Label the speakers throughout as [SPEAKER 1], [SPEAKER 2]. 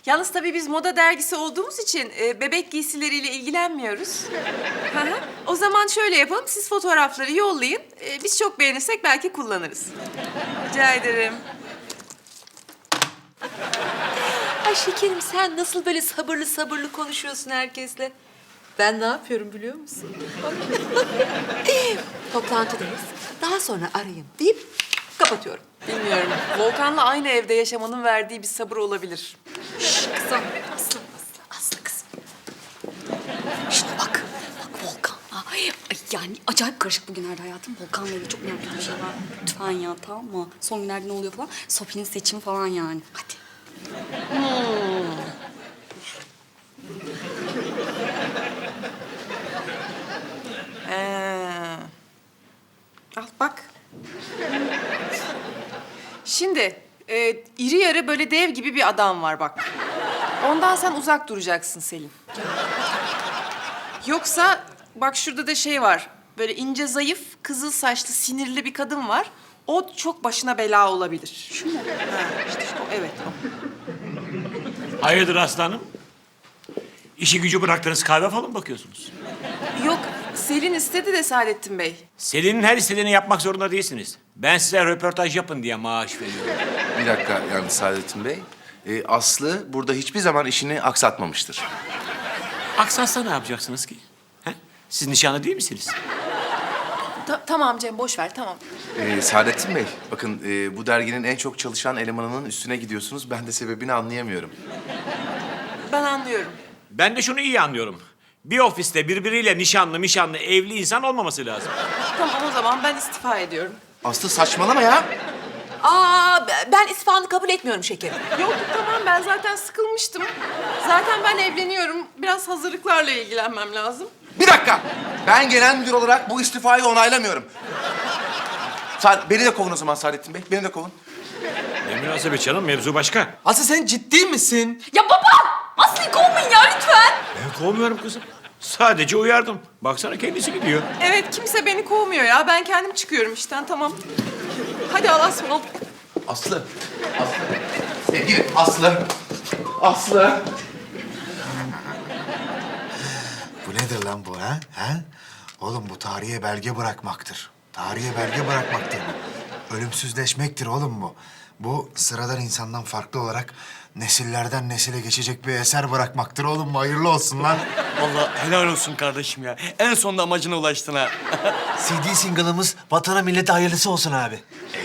[SPEAKER 1] Yalnız tabii biz moda dergisi olduğumuz için bebek giysileriyle ilgilenmiyoruz. Hı hı. O zaman şöyle yapalım, siz fotoğrafları yollayın. Biz çok beğenirsek belki kullanırız. Rica ederim.
[SPEAKER 2] Ay şekerim sen nasıl böyle sabırlı sabırlı konuşuyorsun herkesle? Ben ne yapıyorum biliyor musun? Toplantıdayız. Daha sonra arayayım deyip kapatıyorum.
[SPEAKER 1] Bilmiyorum. Volkan'la aynı evde yaşamanın verdiği bir sabır olabilir.
[SPEAKER 2] Kızım, Aslı kızım. Şuna bak, bak Volkan'la. Ay, yani acayip karışık bugünlerde hayatım. Volkan'la ilgili çok merak ettiğim bir şey var. Lütfen ya, tamam mı? Son günlerde ne oluyor falan. Sofi'nin seçimi falan yani. Hadi.
[SPEAKER 1] Al bak. Şimdi iri yarı böyle dev gibi bir adam var bak. Ondan sen uzak duracaksın Selin. Yoksa bak şurada da şey var. Böyle ince zayıf, kızıl saçlı, sinirli bir kadın var. O çok başına bela olabilir. Şu mu? Ha, işte şu, evet o.
[SPEAKER 3] Hayırdır aslanım? İşi gücü bıraktınız, kahve falan mı bakıyorsunuz?
[SPEAKER 1] Yok, Selin istedi de Saadettin Bey.
[SPEAKER 3] Selin'in her istediğini yapmak zorunda değilsiniz. Ben size röportaj yapın diye maaş veriyorum.
[SPEAKER 4] Bir dakika yani Saadettin Bey. Aslı burada hiçbir zaman işini aksatmamıştır.
[SPEAKER 3] Aksatsa ne yapacaksınız ki? He? Siz nişanlı değil misiniz?
[SPEAKER 1] Tamam Cem, boş ver, tamam.
[SPEAKER 4] Saadettin Bey, bakın bu derginin en çok çalışan elemanının üstüne gidiyorsunuz. Ben de sebebini anlayamıyorum.
[SPEAKER 1] Ben anlıyorum.
[SPEAKER 3] Ben de şunu iyi anlıyorum. Bir ofiste birbiriyle nişanlı, evli insan olmaması lazım.
[SPEAKER 1] Tamam o zaman ben istifa ediyorum.
[SPEAKER 4] Aslı saçmalama ya.
[SPEAKER 2] Ben istifanı kabul etmiyorum şekerim.
[SPEAKER 1] Yok tamam ben zaten sıkılmıştım. Zaten ben evleniyorum. Biraz hazırlıklarla ilgilenmem lazım.
[SPEAKER 4] Bir dakika. Ben genel müdür olarak bu istifayı onaylamıyorum. Beni de kovun o zaman Saadettin Bey. Beni de kovun.
[SPEAKER 3] Ne münasebet canım, mevzu başka.
[SPEAKER 5] Aslı sen ciddi misin?
[SPEAKER 2] Ya baba! Aslı'yı kovmayın ya lütfen.
[SPEAKER 3] Ben kovmuyorum kızım. Sadece uyardım. Baksana kendisi gidiyor.
[SPEAKER 1] Evet kimse beni kovmuyor ya. Ben kendim çıkıyorum işten tamam. Hadi Allah'a ısmarladık.
[SPEAKER 4] Aslı. Sevgili Aslı. Aslı.
[SPEAKER 6] Bu nedir lan bu ha? Ha? Oğlum bu tarihe belge bırakmaktır. Tarihe belge bırakmaktır bu. Ölümsüzleşmektir oğlum bu. Bu sıradan insandan farklı olarak nesillerden nesile geçecek bir eser bırakmaktır oğlum. Hayırlı olsun lan.
[SPEAKER 5] Vallahi helal olsun kardeşim ya. En sonunda amacına ulaştın ha.
[SPEAKER 6] CD single'ımız vatana millete hayırlısı olsun abi.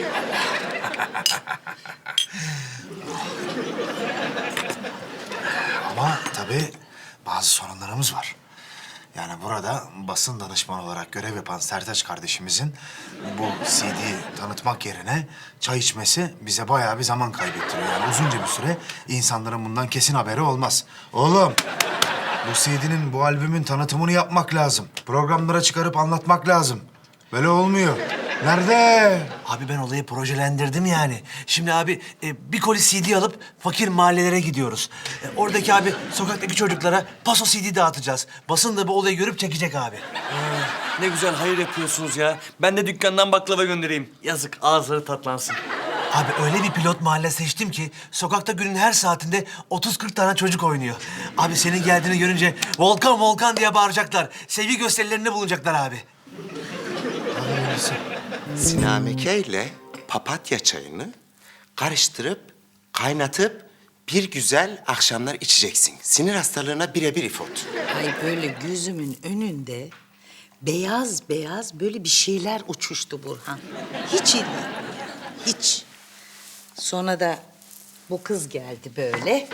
[SPEAKER 6] Ama tabii bazı sorunlarımız var. Yani burada basın danışmanı olarak görev yapan Sertaç kardeşimizin bu CD tanıtmak yerine çay içmesi bize bayağı bir zaman kaybettiriyor. Yani uzunca bir süre insanların bundan kesin haberi olmaz. Oğlum, bu CD'nin, bu albümün tanıtımını yapmak lazım. Programlara çıkarıp anlatmak lazım. Böyle olmuyor. Nerede? Abi ben olayı projelendirdim yani. Şimdi abi bir koli CD alıp fakir mahallelere gidiyoruz. Oradaki abi sokaktaki çocuklara paso CD dağıtacağız. Basın da bu olayı görüp çekecek abi.
[SPEAKER 5] Ne güzel hayır yapıyorsunuz ya. Ben de dükkandan baklava göndereyim. Yazık ağızları tatlansın.
[SPEAKER 6] Abi öyle bir pilot mahalle seçtim ki sokakta günün her saatinde 30-40 tane çocuk oynuyor. Abi senin geldiğini görünce Volkan Volkan diye bağıracaklar. Sevgi gösterilerinde bulunacaklar abi.
[SPEAKER 7] Sinameke ile papatya çayını karıştırıp, kaynatıp bir güzel akşamlar içeceksin. Sinir hastalığına birebir ifot.
[SPEAKER 8] Ay böyle gözümün önünde beyaz beyaz böyle bir şeyler uçuştu Burhan. Hiç iyi değil ya, hiç. Sonra da bu kız geldi böyle.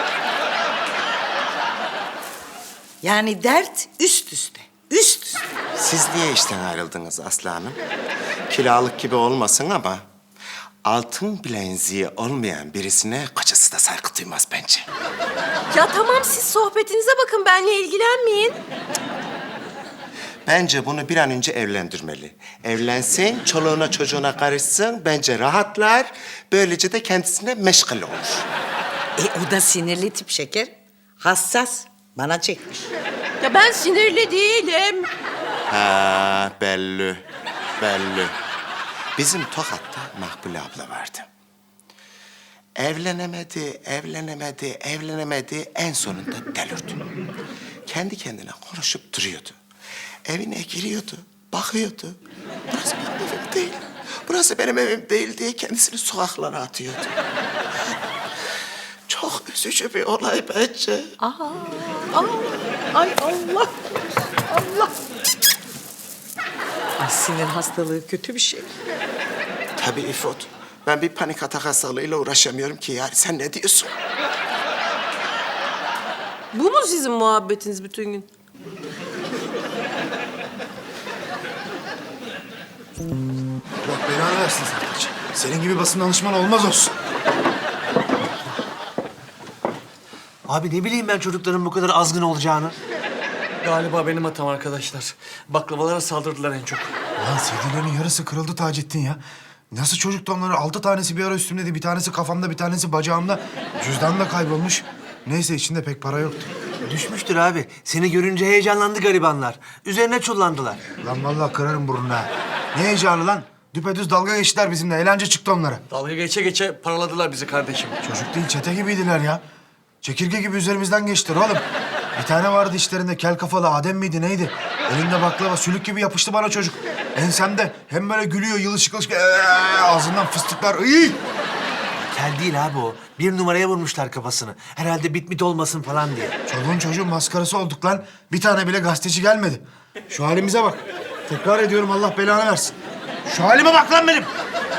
[SPEAKER 8] Yani dert üst üste, üst üste.
[SPEAKER 7] Siz niye işten ayrıldınız Aslı Hanım? Kiralık gibi olmasın ama altın bileziği olmayan birisine kocası da saygı duymaz bence.
[SPEAKER 1] Ya tamam siz sohbetinize bakın benle ilgilenmeyin.
[SPEAKER 7] Bence bunu bir an önce evlendirmeli. Evlensin, çoluğuna çocuğuna karışsın, bence rahatlar. Böylece de kendisine meşgul olur.
[SPEAKER 8] O da sinirli tip şeker. Hassas. Bana çekmiş.
[SPEAKER 1] Ya ben sinirli değilim.
[SPEAKER 7] Ha, belli, belli. Bizim Tokat'ta Makbule abla vardı. evlenemedi. En sonunda delirdi. Kendi kendine konuşup duruyordu. Evine giriyordu, bakıyordu. Burası benim evim değil. Burası benim evim değil diye kendisini sokaklara atıyordu. Çok üzücü bir olay bence.
[SPEAKER 8] Ay Allah. Allah. Ay sinir hastalığı kötü bir şey.
[SPEAKER 7] Tabii İfot. Ben bir panik atak hastalığıyla uğraşamıyorum ki yani. Sen ne diyorsun?
[SPEAKER 1] Bu mu sizin muhabbetiniz bütün gün?
[SPEAKER 6] Allah belanı versin Sertaç. Senin gibi basın danışmanı olmaz olsun.
[SPEAKER 5] Abi ne bileyim ben çocukların bu kadar azgın olacağını. Galiba benim hatam arkadaşlar. Baklavalara saldırdılar en çok.
[SPEAKER 6] Ulan CD'lerin yarısı kırıldı Taceddin ya. Nasıl çocuktu onları? 6 tanesi bir ara üstümdeydi. Bir tanesi kafamda, bir tanesi bacağımda. Cüzdan da kaybolmuş. Neyse içinde pek para yoktu.
[SPEAKER 5] Düşmüştür abi. Seni görünce heyecanlandı garibanlar. Üzerine çullandılar.
[SPEAKER 6] Lan vallahi kırarım burnunu ha. Ne heyecanı lan? Düpedüz dalga geçtiler bizimle. Eğlence çıktı onlara.
[SPEAKER 5] Dalga geçe paraladılar bizi kardeşim.
[SPEAKER 6] Çocuk değil, çete gibiydiler ya. Çekirge gibi üzerimizden geçtiler oğlum. Bir tane vardı işlerinde kel kafalı Adem miydi neydi? Elinde baklava sülük gibi yapıştı bana çocuk. Ensemde hem böyle gülüyor yılışık yılışık ağzından fıstıklar. Iy!
[SPEAKER 5] Kel değil abi o. Bir numaraya vurmuşlar kafasını. Herhalde bitmit olmasın falan diye.
[SPEAKER 6] Çoluğun çocuğun maskarası olduk lan. Bir tane bile gazeteci gelmedi. Şu halimize bak. Tekrar ediyorum Allah belanı versin. Şu halime bak lan benim.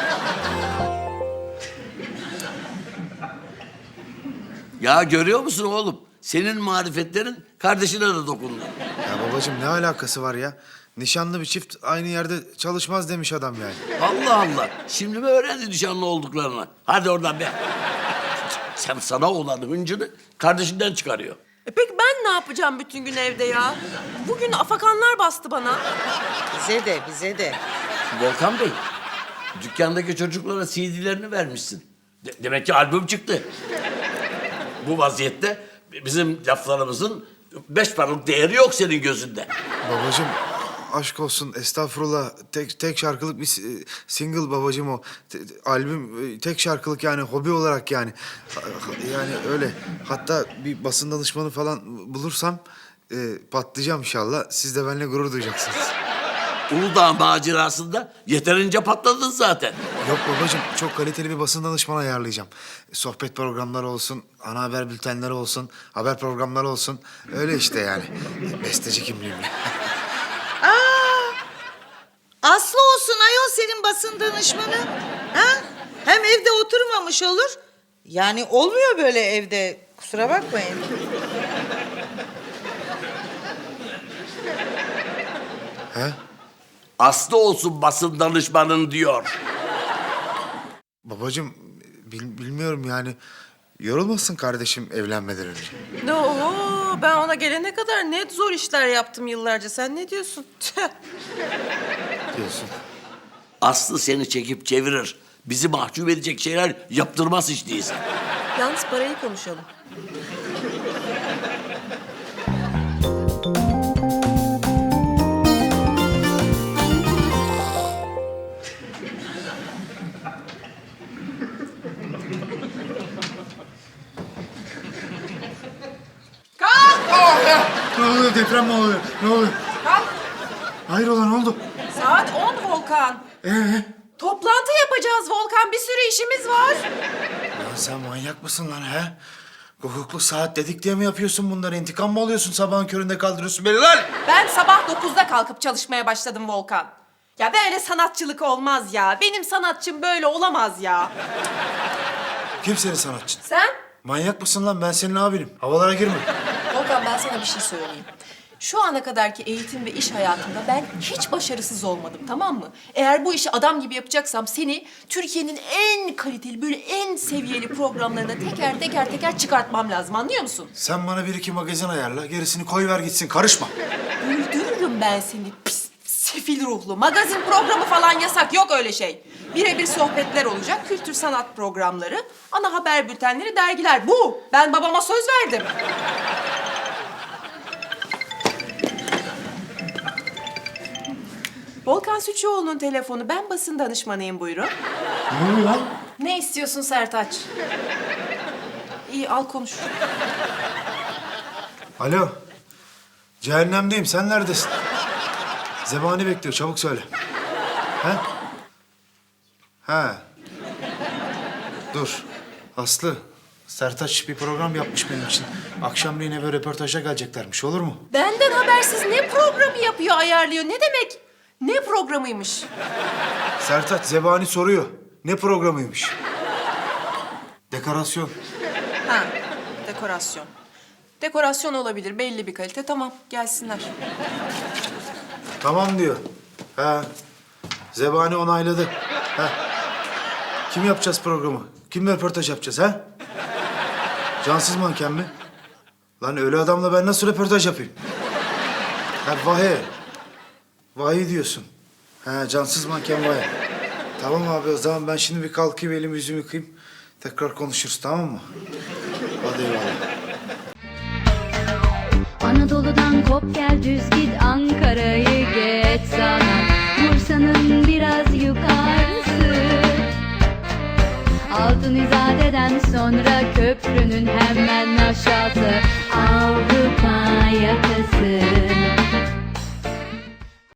[SPEAKER 9] Ya görüyor musun oğlum? Senin marifetlerin kardeşine de dokundu.
[SPEAKER 6] Ya babacığım ne alakası var ya? Nişanlı bir çift aynı yerde çalışmaz demiş adam yani.
[SPEAKER 9] Allah Allah. Şimdi mi öğrendi nişanlı olduklarını? Hadi oradan be. Sen sana olan hıncını kardeşinden çıkarıyor.
[SPEAKER 1] Peki ben ne yapacağım bütün gün evde ya? Bugün afakanlar bastı bana.
[SPEAKER 8] Bize de.
[SPEAKER 9] Volkan Bey, dükkandaki çocuklara CD'lerini vermişsin. Demek ki albüm çıktı. Bu vaziyette bizim laflarımızın 5 paralık değeri yok senin gözünde.
[SPEAKER 6] Babacığım aşk olsun estağfurullah. Tek şarkılık bir single babacığım o. Albüm tek şarkılık yani hobi olarak yani. Yani öyle. Hatta bir basın danışmanı falan bulursam patlayacağım inşallah. Siz de benimle gurur duyacaksınız.
[SPEAKER 9] Uludağ macerasında yeterince patladın zaten.
[SPEAKER 6] Yok babacığım, çok kaliteli bir basın danışmanı ayarlayacağım. Sohbet programları olsun, ana haber bültenleri olsun, haber programları olsun. Öyle işte yani. Besteci kimliğimle.
[SPEAKER 8] Aslı olsun ayol senin basın danışmanı. Ha? Hem evde oturmamış olur. Yani olmuyor böyle evde. Kusura bakmayın.
[SPEAKER 6] He?
[SPEAKER 9] Aslı olsun basın danışmanın diyor.
[SPEAKER 6] Babacığım, bilmiyorum yani. Yorulmasın kardeşim evlenmeden önce.
[SPEAKER 1] Oho, ben ona gelene kadar ne zor işler yaptım yıllarca. Sen ne diyorsun? Tüh.
[SPEAKER 6] Diyorsun.
[SPEAKER 9] Aslı seni çekip çevirir. Bizi mahcup edecek şeyler yaptırmaz hiç değilse.
[SPEAKER 1] Yalnız parayı konuşalım.
[SPEAKER 6] Ne oluyor? Deprem mi oluyor? Ne oluyor? Hayrola ne oldu?
[SPEAKER 1] Saat 10 Volkan. Toplantı yapacağız Volkan. Bir sürü işimiz var.
[SPEAKER 6] Lan sen manyak mısın lan he? Hukuklu saat dedik diye mi yapıyorsun bunları? İntikam mı alıyorsun? Sabahın köründe kaldırıyorsun beni lan!
[SPEAKER 1] Ben sabah 9'da kalkıp çalışmaya başladım Volkan. Ya böyle sanatçılık olmaz ya. Benim sanatçım böyle olamaz ya.
[SPEAKER 6] Kim senin sanatçın?
[SPEAKER 1] Sen?
[SPEAKER 6] Manyak mısın lan? Ben senin abinim. Havalara girme.
[SPEAKER 1] Volkan ben sana bir şey söyleyeyim. Şu ana kadarki eğitim ve iş hayatımda ben hiç başarısız olmadım, tamam mı? Eğer bu işi adam gibi yapacaksam seni Türkiye'nin en kaliteli, böyle en seviyeli programlarına teker çıkartmam lazım, anlıyor musun?
[SPEAKER 6] Sen bana bir iki magazin ayarla. Gerisini koy ver gitsin. Karışma.
[SPEAKER 1] Öldürürüm ben seni pis, sefil ruhlu. Magazin programı falan yasak, yok öyle şey. Birebir sohbetler olacak, kültür sanat programları, ana haber bültenleri, dergiler. Bu. Ben babama söz verdim. Volkan Süçüoğlu'nun telefonu. Ben basın danışmanıyım, buyurun.
[SPEAKER 6] Ne oluyor lan?
[SPEAKER 1] Ne istiyorsun Sertaç? İyi al konuş.
[SPEAKER 6] Alo. Cehennemdeyim. Sen neredesin? Zebani bekliyor. Çabuk söyle. He? Ha. Dur. Aslı. Sertaç bir program yapmış benim için. Akşamleyin eve röportaja geleceklermiş. Olur mu?
[SPEAKER 1] Benden habersiz ne programı yapıyor, ayarlıyor? Ne demek? Ne programıymış?
[SPEAKER 6] Sertaç Zebani soruyor. Ne programıymış? Dekorasyon.
[SPEAKER 1] Ha, dekorasyon. Dekorasyon olabilir, belli bir kalite. Tamam, gelsinler.
[SPEAKER 6] Tamam diyor. Ha. Zebani onayladı. Ha. Kim yapacağız programı? Kimle röportaj yapacağız ha? Cansız manken mi? Lan öyle adamla ben nasıl röportaj yapayım? Ha Vahe. Vahe diyorsun. Ha cansız manken Vahe. Tamam abi o zaman ben şimdi bir kalkayım elimi yüzümü yıkayayım. Tekrar konuşuruz tamam mı? Hadi eyvallah.
[SPEAKER 10] Anadolu'dan kop gel düz git Ankara'yı geç sana Bursa'nın biraz yukarısı Altın İzade'den sonra köprünün hemen aşağısı